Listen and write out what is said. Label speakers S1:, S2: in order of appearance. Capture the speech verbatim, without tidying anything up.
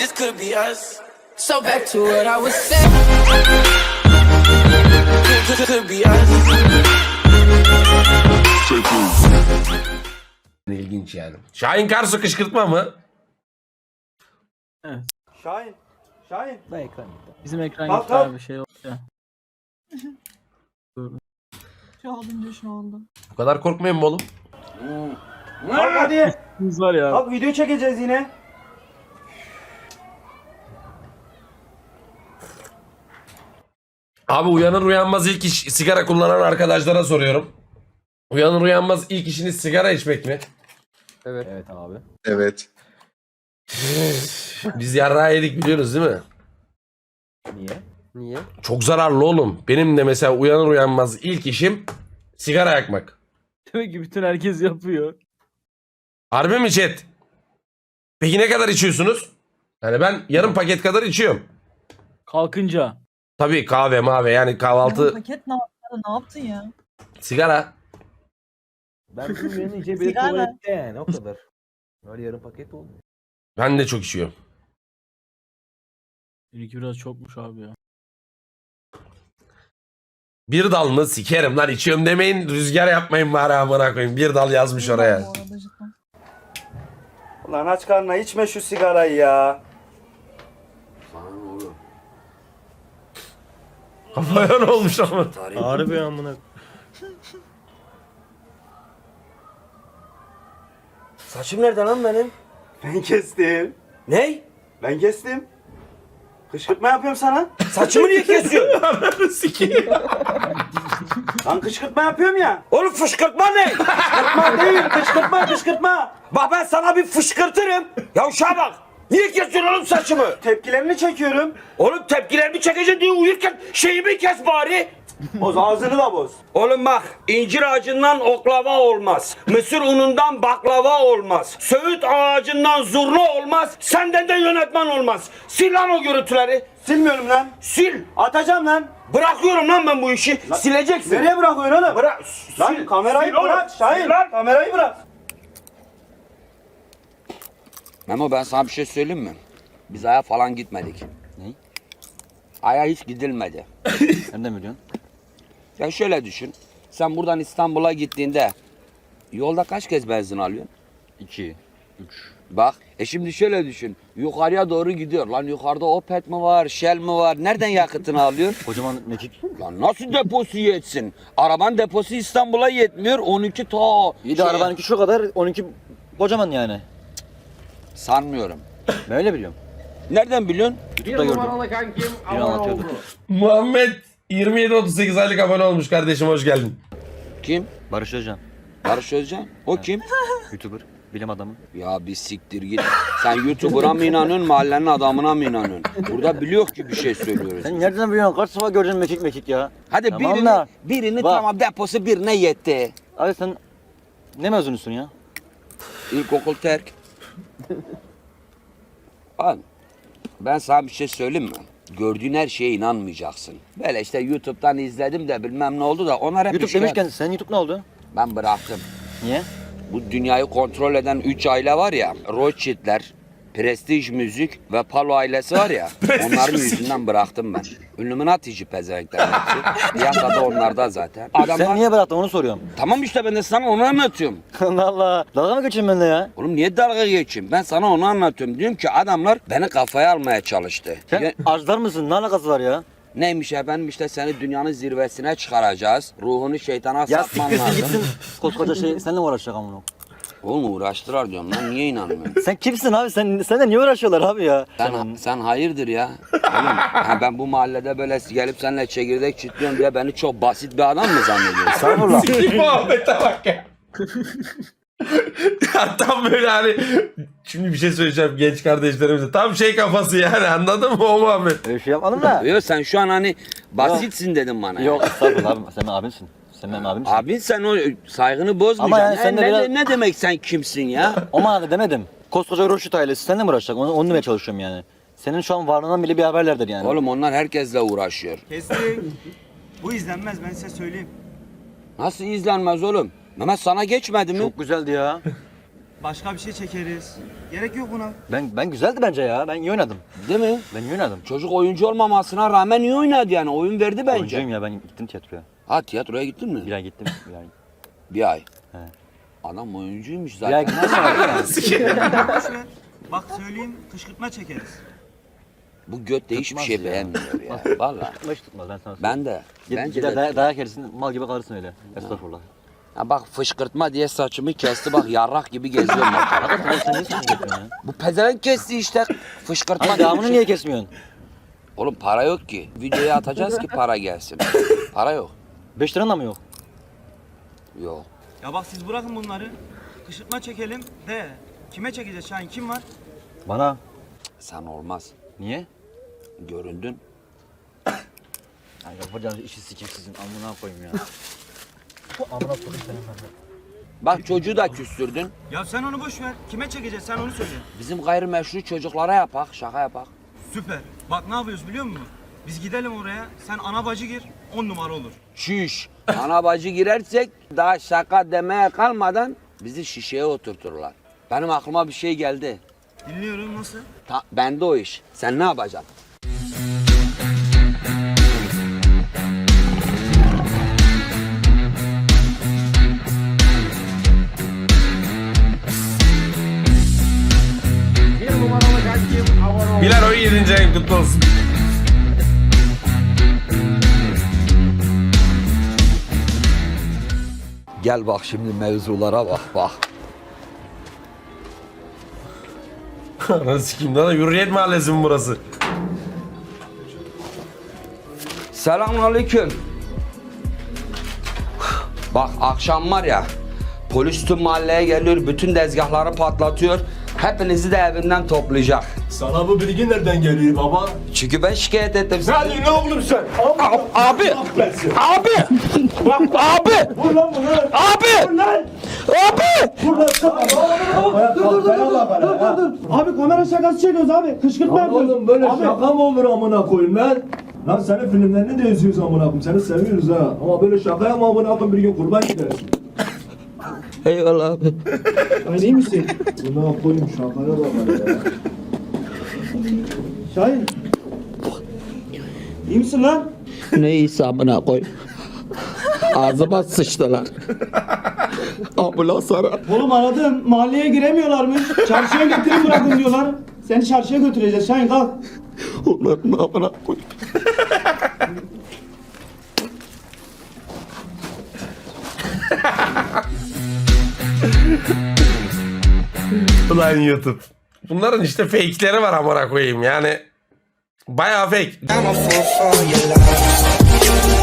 S1: this could be us. So back to what I was saying. Could, could be us.
S2: İlginç yani. Şahin Karsu kışkırtma mı?
S3: Evet.
S4: Şahin. Şahin.
S3: Da ekran gitti. Bizim ekran
S4: Kalk,
S3: gitti
S4: kalk.
S3: abi şey oldu ya. Doğru. Şu aldım diyor şu aldım.
S2: Bu kadar korkmayın mı oğlum?
S4: Kalk hadi.
S3: Biz var ya.
S4: Kalk video çekeceğiz yine.
S2: Abi uyanır uyanmaz ilk iş sigara kullanan arkadaşlara soruyorum. Uyanır uyanmaz ilk işiniz sigara içmek mi?
S3: Evet. Evet abi.
S5: Evet.
S2: Biz yarrağı yedik biliyorsunuz değil mi?
S3: Niye? Niye?
S2: Çok zararlı oğlum. Benim de mesela uyanır uyanmaz ilk işim sigara yakmak.
S3: Demek ki bütün herkes yapıyor.
S2: Harbi mi chat? Peki ne kadar içiyorsunuz? Yani ben yarım paket kadar içiyorum.
S3: Kalkınca.
S2: Tabii kahve mave yani kahvaltı
S6: Ya bu paket ne yaptın? Ne yaptın ya?
S2: sigara.
S7: Ben bizim uyanınca bir
S6: Sigara.
S7: tuvalette yani o kadar. Öyle yarım paket oldu.
S2: Ben de çok içiyorum.
S3: Benimki biraz çokmuş abi ya.
S2: Bir dal mı? Sikerim lan içiyorum demeyin. Rüzgar yapmayın bari amına koyayım. Bir dal yazmış oraya.
S6: Bu arada cidden.
S4: Ulan aç karnına içme şu sigarayı ya.
S2: Kafaya ne olmuş ama?
S7: Harbi amına.
S8: Saçım nerede lan benim?
S4: Ben kestim.
S8: Ney?
S4: Ben kestim. Kışkırtma yapıyorum sana.
S8: Saçımı niye kesiyorsun?
S2: Sikeyim.
S4: Lan kışkırtma yapıyorum ya.
S8: Oğlum fışkırtma ne?
S4: Kışkırtma değil, kışkırtma, kışkırtma.
S8: Bak ben sana bir fışkırtırım. Ya uşağa bak. Niye kesiyorsun oğlum saçımı?
S4: Tepkilerini çekiyorum.
S8: Oğlum tepkilerimi çekeceksin diye uyurken şeyimi kes bari.
S4: Boz ağzını da boz.
S8: Oğlum bak incir ağacından oklava olmaz. Mısır unundan baklava olmaz. Söğüt ağacından zurna olmaz. Senden de yönetmen olmaz. Sil lan o görüntüleri.
S4: Silmiyorum lan.
S8: Sil.
S4: Atacağım lan.
S8: Bırakıyorum lan ben bu işi. Sileceksin.
S4: Nereye bırakıyorsun oğlum?
S8: Bırak.
S4: Lan
S8: sil.
S4: kamerayı
S8: Sil oğlum.
S4: bırak Şahin.
S8: Sil lan.
S4: Kamerayı bırak.
S9: Memo ben sana bir şey söyleyeyim mi? Biz Ay'a falan gitmedik.
S8: Ne?
S9: Ay'a hiç gidilmedi.
S8: Nereden biliyorsun?
S9: Ya şöyle düşün. Sen buradan İstanbul'a gittiğinde yolda kaç kez benzin alıyorsun?
S8: İki. Üç.
S9: Bak. E şimdi şöyle düşün. Yukarıya doğru gidiyor. Lan yukarıda Opet mi var, Shell mi var? Nereden yakıtını alıyor?
S8: Kocaman mekik.
S9: Lan nasıl deposu yetsin? Arabanın deposu İstanbul'a yetmiyor. on iki ta.
S8: İyi de
S9: şey-
S8: arabanınki şu kadar, on iki kocaman yani.
S9: Sanmıyorum.
S8: Ben öyle biliyorum.
S9: Nereden biliyorsun?
S8: YouTube'da gördüm. Biri anlatıyordu.
S2: Muhammed yirmi yedi otuz sekiz aylık abone olmuş kardeşim hoş geldin.
S9: Kim?
S8: Barış Özcan.
S9: Barış Özcan. O kim?
S8: YouTuber. Bilim adamı.
S9: Ya bir siktir git. Sen YouTuber'a mı inanıyorsun, mahallenin adamına mı inanıyorsun? Burada biliyor ki bir şey söylüyoruz.
S8: Sen nereden biliyorsun? Kaç sefer gördün mekik mekik ya?
S9: Hadi
S8: Tamam
S9: birini,
S8: da,
S9: birini
S8: bak.
S9: tamam deposu birine yetti.
S8: Abi sen ne mezunusun ya?
S9: İlkokul terk. Bak ben sana bir şey söyleyeyim mi? Gördüğün her şeye inanmayacaksın. Böyle işte YouTube'dan izledim de bilmem ne oldu da onlar hep
S8: YouTube
S9: işkence.
S8: demişken sen YouTube ne oldu?
S9: Ben bıraktım.
S8: Niye?
S9: Bu dünyayı kontrol eden üç aile var ya, Rothschild'ler, Prestige Müzik ve Palo ailesi var ya, onların yüzünden bıraktım ben. Illuminati'ci pezevenkler hepsi. Piyasada onlarda zaten. Adamlar...
S8: Sen niye bıraktın onu soruyorum.
S9: Tamam işte ben de sana onu anlatıyorum.
S8: Allah Allah. Dalga mı geçiyorsun benimle ya?
S9: Oğlum niye dalga geçeyim? Ben sana onu anlatıyorum. Diyorum ki adamlar beni kafaya almaya çalıştı.
S8: Sen
S9: Ya-
S8: arzlar mısın? Ne alakası var ya?
S9: Neymiş efendim işte seni dünyanın zirvesine çıkaracağız. Ruhunu şeytana
S8: Ya
S9: satman
S8: siktirsin
S9: lazım.
S8: gitsin. Koskoca şey seninle mi uğraşacak amına?
S9: Oğlum uğraştılar diyorum lan niye inanmıyorsun?
S8: Sen kimsin abi? Sen seninle niye uğraşıyorlar abi ya?
S9: Sen, sen hayırdır ya? Oğlum ha ben bu mahallede böyle gelip seninle çekirdek çitliyorum diye beni çok basit bir adam mı zannediyorsun?
S8: Estağfurullah.
S2: Sikeyim Muhammed'e bak ya. Ya tam böyle hani şimdi bir şey söyleyeceğim genç kardeşlerimize. Tam şey kafası yani anladın mı o Muhammed?
S8: Öyle şey yapmadım da.
S9: Yok sen şu an hani basitsin dedim bana.
S8: Yok estağfurullah abi. Sen benim abimsin. Sen benim abimsin.
S9: Abin sen o saygını bozmayacaksın.
S8: Ama yani
S9: Ne-
S8: sen de
S9: ne,
S8: biraz-
S9: ne demek sen kimsin ya?
S8: O manada demedim. Koskoca Roşit ailesi seninle mi uğraşacak? Onu, onu demeye çalışıyorum yani. Senin şu an varlığından bile bir haberlerdir yani.
S9: Oğlum onlar herkesle uğraşıyor.
S4: Kestik. Bu izlenmez ben size söyleyeyim.
S9: Nasıl izlenmez oğlum? Mehmet sana geçmedi mi?
S8: Çok güzeldi ya.
S4: Başka bir şey çekeriz. Gerek yok buna.
S5: Ben ben güzeldi bence ya. Ben iyi oynadım.
S9: Değil mi?
S5: Ben iyi oynadım.
S9: Çocuk oyuncu olmamasına rağmen iyi oynadı yani. Oyun verdi bence.
S5: Oyuncuyum ya, ben gittim tiyatroya.
S9: Ha tiyatroya gittin mi?
S5: Bir ay gittim. Bir ay.
S9: Bir ay.
S5: He.
S9: Adam oyuncuymuş
S5: Bir ay
S9: zaten.
S5: gittim sonra ya.
S4: Boş ver. Bak söyleyeyim kışkırtma çekeriz.
S9: Bu göt de hiçbir
S5: Tutmaz
S9: şey
S5: ya.
S9: beğenmiyor ya. Valla.
S5: Hiç tutmaz ben sana söyleyeyim.
S9: Ben de.
S5: Gid-
S9: Bence
S5: gider
S9: de.
S5: day- dayak yersin, mal gibi kalırsın öyle. Estağfurullah.
S9: Ha bak fışkırtma diye saçımı kesti bak yarrak gibi geziyorum bak.
S5: Hakikaten oğlum sen niye saçını yapıyorsun ya?
S9: Bu pezevenk kesti işte fışkırtma.
S5: Hani
S9: diye bir
S5: devamını
S9: şey.
S5: niye kesmiyorsun?
S9: Oğlum para yok ki. Videoya atacağız ki para gelsin. Para yok.
S5: Beş liran da mı yok?
S9: Yok.
S4: Ya bak siz bırakın bunları. Kışkırtma çekelim de. Kime çekeceğiz Şahin? Kim var?
S5: Bana.
S9: Sen olmaz.
S5: Niye?
S9: Göründün.
S5: Ya yapacağınız işi sikeyim sizin, amına koyayım ya. Amına koyayım senin ben de.
S9: Bak çocuğu da küstürdün.
S4: Ya sen onu boş ver. Kime çekeceğiz sen onu söyle.
S9: Bizim gayrimeşru çocuklara yapak, şaka yapak.
S4: Süper. Bak ne yapıyoruz biliyor musun? Biz gidelim oraya. Sen ana bacı gir. On numara olur.
S9: Şiş. Ana bacı girersek daha şaka demeye kalmadan bizi şişeye oturturlar. Benim aklıma bir şey geldi.
S4: Dinliyorum nasıl?
S9: Ta, bende o iş. Sen ne yapacaksın?
S2: Bilal oyun yedinci ayın kutlu olsun.
S9: Gel bak şimdi mevzulara bak bak.
S2: Ananı sikeyim lan, Hürriyet Mahallesi mi burası?
S9: Selamünaleyküm. Bak akşam var ya polis tüm mahalleye geliyor, bütün tezgahları patlatıyor. Hepinizi de evinden toplayacak.
S7: Sana bu bilgi nereden geliyor baba?
S9: Çünkü ben şikayet ettim sizi.
S7: Hadi ne oğlum sen?
S9: Abi, abi, abi, abi,
S7: Vur lan bunu.
S9: abi,
S7: Vur lan.
S9: abi.
S7: Vur lan. Dur dur dur dur dur.
S4: Abi kamera şakası çekiyoruz abi. Kışkırtma
S7: Lan oğlum böyle şaka mı olur amına koyayım lan? Lan senin filmlerini de izliyoruz amına koyayım. Seni seviyoruz ha. Ama böyle şaka yapma amına koyayım, bir gün kurban gidersin.
S9: Eyvallah abi.
S4: Şahin iyi misin?
S7: Buna koyayım şakaya bak ya.
S4: Şahin. İyi misin lan?
S9: Ne iyisi amına koy. Ağzıma sıçtılar. Ambulans ara.
S4: Oğlum aradım. Mahalleye giremiyorlarmış. Çarşıya getirin bırakın diyorlar. Seni çarşıya götüreceğiz. Şahin kalk.
S9: Onların amına koy.
S2: Ulan YouTube. Bunların işte fake'leri var amına koyayım yani. Bayağı fake.
S1: I'm a fool for your love.